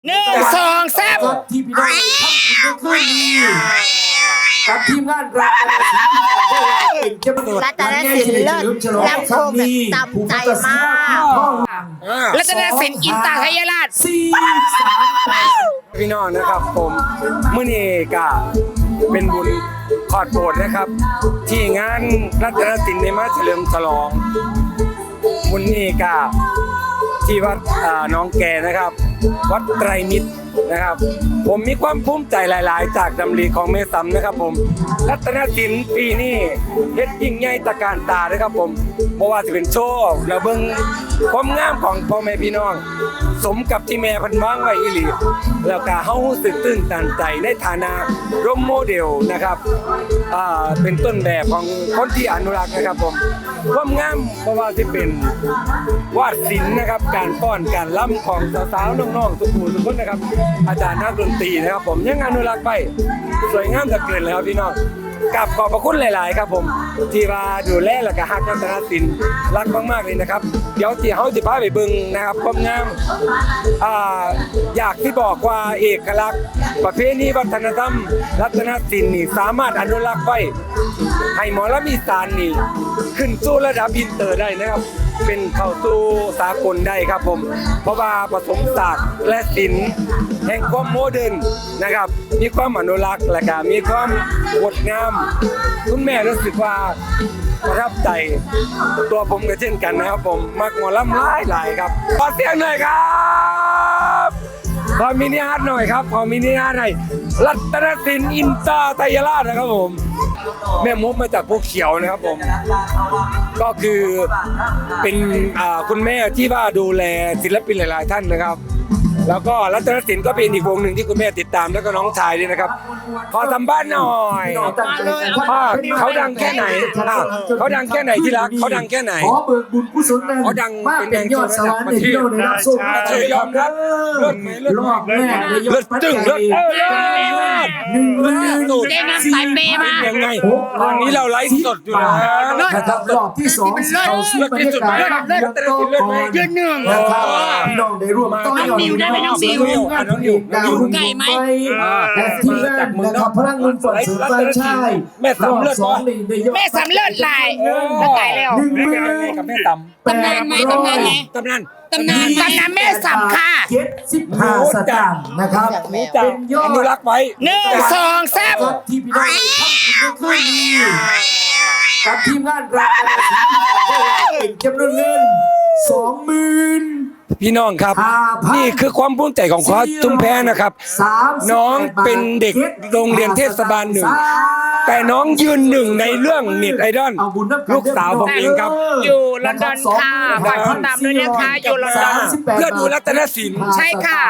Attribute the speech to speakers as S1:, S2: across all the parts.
S1: 1 2 3
S2: ที่พี่น้องทำในคืนนี้กับทีมงานรัตนศิลป์เลิศลำโพงแบบจำใจมาก
S1: รัตนศิลป์อินตาไทยราช
S3: พี่น้องนะครับผมมื้อนี้ก็เป็นบุญขอดโบสถ์นะครับที่งานรัตนศิลป์ในมาเฉลิมฉลองบุญนี้ก็ที่วัดน้องแกนะครับวัดไตรมิตรนะครับผมมีความภูมิใจหลายๆจากดำริของแม่ซ้ำนะครับผมรัตนศิลป์ปีนี้เฮ็ดยิ่งใหญ่ตระการตานะครับผมเพราะว่าจะเป็นโชว์และเบิ่งความงามของพ่อแม่พี่น้องสมกับที่แม่เพิ่นวางไว้อีหลีแล้วก็เฮารู้สึกตื่นตันใจในฐานะร่มโมเดลนะครับเป็นต้นแบบของคนที่อนุรักษ์นะครับผมความงามเพราะว่าที่เป็นวาดศิลป์นะครับการป้อนการล้ำของสาวๆน้องๆทุกคนนะครับอาจารย์นักดนตรีนะครับผมยังอนุรักษ์ไปสวยงามเหลือเกินแล้วพี่น้องกับขอบพระคุณหลายๆครับผมที่มาดูแลและก็ฮักรัตนศิลป์รักมากๆเลยนะครับเดี๋ยวที่เฮาสิพาไปเบิ่งนะครับความงามอยากที่บอกว่าเอกลักษณ์ประเพณีวัฒนธรรมรัตนศิลป์นี่สามารถอนุรักษ์ไว้ให้หมอลำอีสานนี่ขึ้นสู่ระดับอินเตอร์ได้นะครับเป็นเข้าสู่สากลได้ครับผมเพราะว่าผสมศาสตร์และศิลป์แห่งความโมเดิร์นนะครับมีความอนุรักษ์และก็มีความงดงามคุณแม่รู้สึกว่าประทับใจตัวผมก็เช่นกันนะครับผมมักหมอลำหลายครับขอเสียงหน่อยครับขอมินิฮาร์ทหน่อยครับขอมินิฮาร์ทหน่อยรัตนศิลป์อินตาไทยราชนะครับผมแม่มดมาจากพวกเขียวนะครับผมก็คือเป็นคุณแม่ที่ว่าดูแลศิลปินหลายๆท่านนะครับแล้วก็รัตนศิลป์ก็เป็นอีกวงหนึ่งที่คุณแม่ติดตามแล้วก็น้องชายด้วยนะครับขอสัมภาษณ์หน่อยเขาดังแค่ไหนเขาดังแค่ไหนที่รักเขาดังแค่ไหน
S2: ขอเบิกบุญกุศลนั้น
S3: เขาดัง
S2: เป็นยอดสวรรค์ในที่เราได้รับส่ง
S3: ยอมรับ
S2: รอบแรกในยอดปัจจัย
S1: ได้น้ำสายเปมา
S3: ยังไงตอนนี้เราไลฟ์สดอยู่นะ
S2: รอบที่2เขาสู้บรรยากาศ
S1: ยืนหนึ่ง
S2: พี่น้องได้ร่วมต้อนรับ
S1: นิวได้ไหมน้องนิวไก่ไหม
S2: และที่แรกนะครับพลังเงินฝนเสริมไฟชาย
S3: แม่สำเร็จ
S1: แม่สำเร็จลายไก่แล้ว
S3: กับแม่ตำ
S1: ตำนานไหมตำนานไหม
S3: ตำนาน
S1: แม่สำค่ะ
S2: 75 สตางค์นะครับเป็นยอด
S3: อนุรักษ์ไว้
S1: 1 2 3
S2: ที่พี่น้องทำในคืนนี้กับทีมงานรัตนศิลป์เป็นจำนวนเงิน 20,000
S3: พี่น้องครับนี่คือความภูมิใจของคว้าจุ้มแพ้นะครับน้องเป็นเด็กโรงเรียนเทศบาล1แต่น้องยืน1ในเรื่องเน็ตไอดอลลูกสาวผมเองครับ
S1: อยู่ลอนดอนค่ะฝากติดตามด้วยนะคะอยู่ลอนดอน
S3: เพื่อดูรัตนศิลป์
S1: ใช่ค่ะ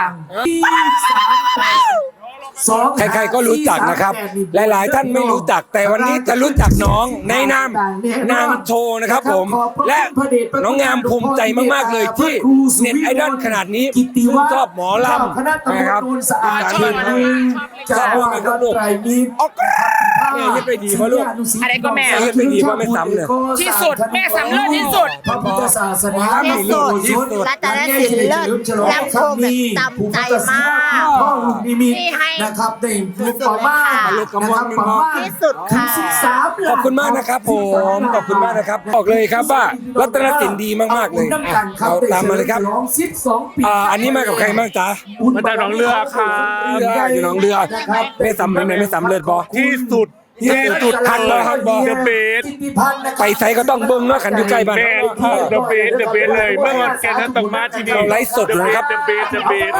S3: ใครๆก็รู้จักนะครับหลายๆท่านไม่รู้จักแต่วันนี้จะรู้จักน้องในนามโชว์นะครับผมและน้องงามภูมิใจมากๆเลยที่เน็ตไอดอลขนาดนี้ชอบหมอลำนะครับชอบมากครับลูกเนี่ยยึดไปดีเพราะลูก
S1: อะไรก็แม่
S3: ยึดไปดีเพราะไม่ซ้ำเนี่ย
S1: ที่สุดแม่ซ้ำเลิศที่สุด
S2: พระพุทธศาสนา
S1: ที่สุดรัตนศิลป์เลิศลำโพงแบบจำใจมาก
S2: ที่ให้นะครับได้ลูกประมาณนะครับประมาณ
S1: ที่สุดค่ะ
S3: ขอบคุณมากนะครับผมขอบคุณมากนะครับบอกเลยครับว่ารัตนศิลป์ดีมากๆเลยเอาตามมาเลยครับอันนี้มากับใครบ้างจ๊ะ
S4: มาจากหนองเรือครับ
S3: อยู่หนองเรือไม่ซ้ำไม่ซ้ำเลิศบอ
S4: ที่สุด
S3: ทันบอทันบอ
S4: เดอะเบส
S3: ไปไซก็ต้องเบิ้งเนาะขันอยู่ใกล้บ้าน
S4: เดอะเบสเลยเมื่อวันแกนั้นต้องมาที่นี่
S3: ไลฟ์สดเลยครับ
S4: เดอะเบส
S3: เดอะเบส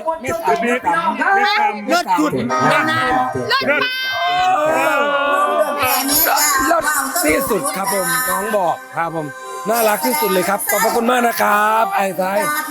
S1: เลิศสุดนานเลิศ
S3: เลิศที่สุดครับผมน้องบอกครับผมน่ารักที่สุดเลยครับขอบพระคุณมากนะครับไอ้ไซ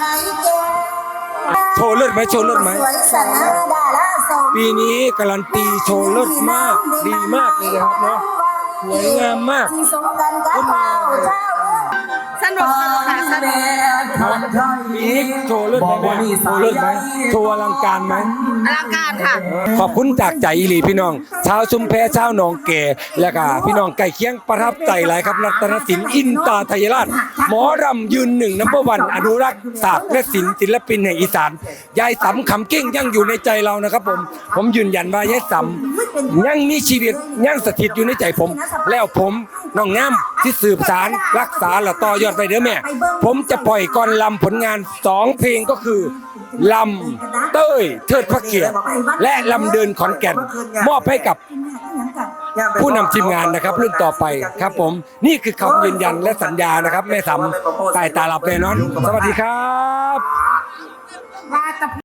S3: โชว์เลิศไหมโชว์เลิศไหมปีนี้การันตีโชว์เลิศมากดีมากเลยนะครับเนาะสวยงามมาก
S1: สนุกค่ะสนุก
S3: ครับอีกโชว์เลือดไหมแม่โชว์เลือดไหมโชว์อลังการไหม
S1: อลังการค่ะ
S3: ขอบคุณจากใจอีหลีพี่น้องชาวชุมแพชาวหนองแก่และก็พี่น้องไก่เคียงประทับใจหลายครับรัตนศิลป์อินตาไทยราชหมอรำยืนหนึ่งนัมเบอร์วันอนุรักษ์ศาสตร์และศิลป์ศิลปินแห่งอีสานยายสำคำเก้งยังอยู่ในใจเรานะครับผมยืนยันว่ายายสำยังมีชีวิตยังสถิตอยู่ในใจผม แล้วผมน้องงามที่สืบสารรักษาและต่อยอดไปเด้อแม่ผมจะปล่อยก่อนลำผลงาน2เพลงก็คือลำเต้ยเทิดพระเกียรติและลำเดินขอนแก่นมอบให้กับผู้นำทีมงานนะครับรุ่นต่อไปครับผมนี่คือคำยืนยันและสัญญานะครับแม่สำตายตาหลับแน่นอนสวัสดีครับ
S1: ว่าตะพ